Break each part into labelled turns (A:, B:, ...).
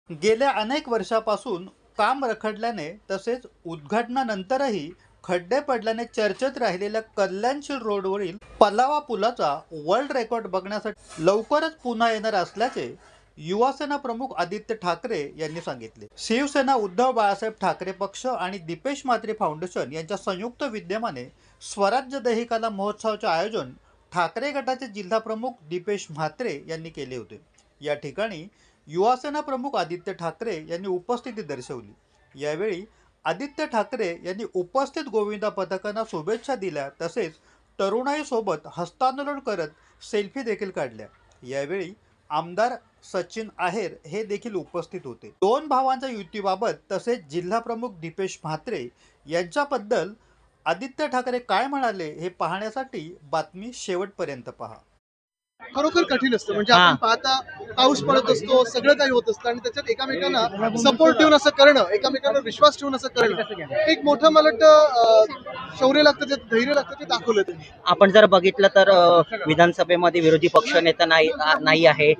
A: गेल्या अनेक वर्षापासून काम रखडल्याने तसेच उद्घाटनानंतरही खड्डे पडल्याने चर्चेत राहिलेल्या कल्याणशील रोडवरील पलावा पुलाचा वर्ल्ड रेकॉर्ड बघण्यासाठी लवकरच पुन्हा येणार असल्याचे युवासेना प्रमुख आदित्य ठाकरे यांनी सांगितले। शिवसेना, उद्धव बाळासाहेब ठाकरे पक्ष आणि दीपेश म्हात्रे फाउंडेशन यांच्या संयुक्त विद्यमाने स्वराज्य दहिकाला महोत्सवाचे आयोजन ठाकरे गटाचे जिल्हा प्रमुख दीपेश म्हात्रे यांनी केले होते। या ठिकाणी युवासेना प्रमुख आदित्य ठाकरे यांनी उपस्थिती दर्शवली। यावेळी आदित्य ठाकरे यांनी उपस्थित गोविंदा पथकांना शुभेच्छा दिल्या, तसेच तरुणाईसोबत हस्तांदोलन करत सेल्फी देखील काढल्या। यावेळी आमदार सचिन आहेर हे देखील उपस्थित होते। दोन भावांच्या युतीबाबत तसेच जिल्हा प्रमुख दीपेश म्हात्रे यांच्याबद्दल आदित्य ठाकरे काय म्हणाले हे पाहण्यासाठी बातमी शेवटपर्यंत पहा।
B: खरोखर कठीण असतं, म्हणजे आपण पाहता पाऊस पडत असतो, सगळं काही होत असतं आणि त्याच्यात एकमेकांना सपोर्ट ठेवून असं करणं, एकमेकांवर विश्वास ठेवून असं करणं, एक मोठं मला वाटतं शौर्य लागतं, ते धैर्य लागतं, ते दाखवलं त्यांनी।
C: आपण जर बघितलं तर विधानसभेमध्ये विरोधी पक्षनेता नाही आहे,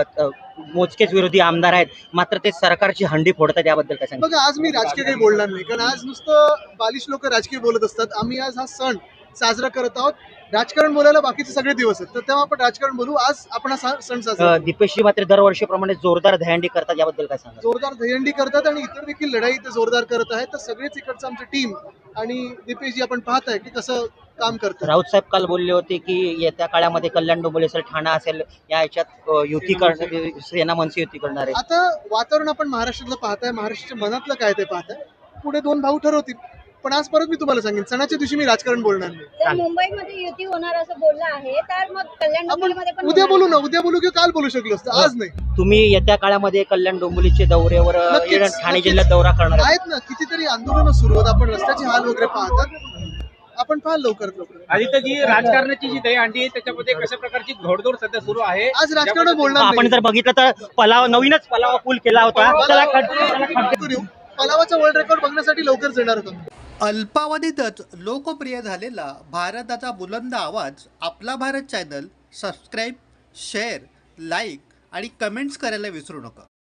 C: मोजकेच विरोधी आमदार आहेत, मात्र ते सरकारची हंडी फोडतात, याबद्दल काय सांगा?
B: बघा, आज मी राजकीय काही बोलणार नाही, कारण आज नुसतं बालिश लोक राजकीय बोलत असतात। आम्ही आज हा सण साजरा करत आहोत। राजकारण बोलायला बाकीचे सगळे दिवस आहेत, तर तेव्हा आपण राजकारण बोलू। आज आपण हा सण साजरा
C: दीपेशजी मात्र दरवर्षीप्रमाणे जोरदार दहीहंडी करतात, याबद्दल काय सांगा?
B: जोरदार दहीहंडी करतात आणि इतर देखील लढाई ते जोरदार करत आहेत। तर सगळेच इकडचं आमची टीम आणि दीपेशजी आपण पाहताय की कसं काम करतात।
C: राऊत साहेब काल बोलले होते की येत्या काळामध्ये कल्याण डोंबिवली असेल, ठाणा असेल, या ह्याच्यात युती करणार, सेना मनसे युती करणार आहे।
B: आता वातावरण आपण महाराष्ट्रातलं पाहताय, महाराष्ट्राच्या मनातलं काय ते पाहताय, पुढे दोन भाऊ ठरवतील। पण आज परत मी तुम्हाला सांगेन, सणाच्या दिवशी मी राजकारण बोलणार नाही।
D: तर मुंबईमध्ये युती होणार असं बोललं आहे, तर मग कल्याण डोंबिवलीमध्ये पण
B: उद्या बोलू ना, उद्या बोलू की काल बोलू शकलो असतं, आज नाही।
C: तुम्ही येत्या काळामध्ये कल्याण डोंबिवलीचे दौऱ्यावर
B: नक्कीच,
C: ठाणे जिल्ह्यात दौरा करणार
B: आहेत ना, कितीतरी आंदोलनं सुरू आहेत, आपण रस्त्याचे हाल वगैरे पाहतात, आपण पाहाल लवकरात लवकर।
E: आदित्यजी, राजकारणाची जी दहीहंडी आहे त्याच्यामध्ये कशा प्रकारची घोडदौड सध्या सुरू आहे?
B: आज राजकारण बोलणार
C: आपण
B: नाही।
C: जर बघितलं तर नवीनच पलावा पूल केला होता,
B: पलावाचा वर्ल्ड रेकॉर्ड बघण्यासाठी लवकरच येणार होतो।
A: अल्पावधीतच लोकप्रिय झालेला भारताचा बुलंद आवाज आपला Bharat channel subscribe, share, like आणि कमेंट्स करायला विसरू नका।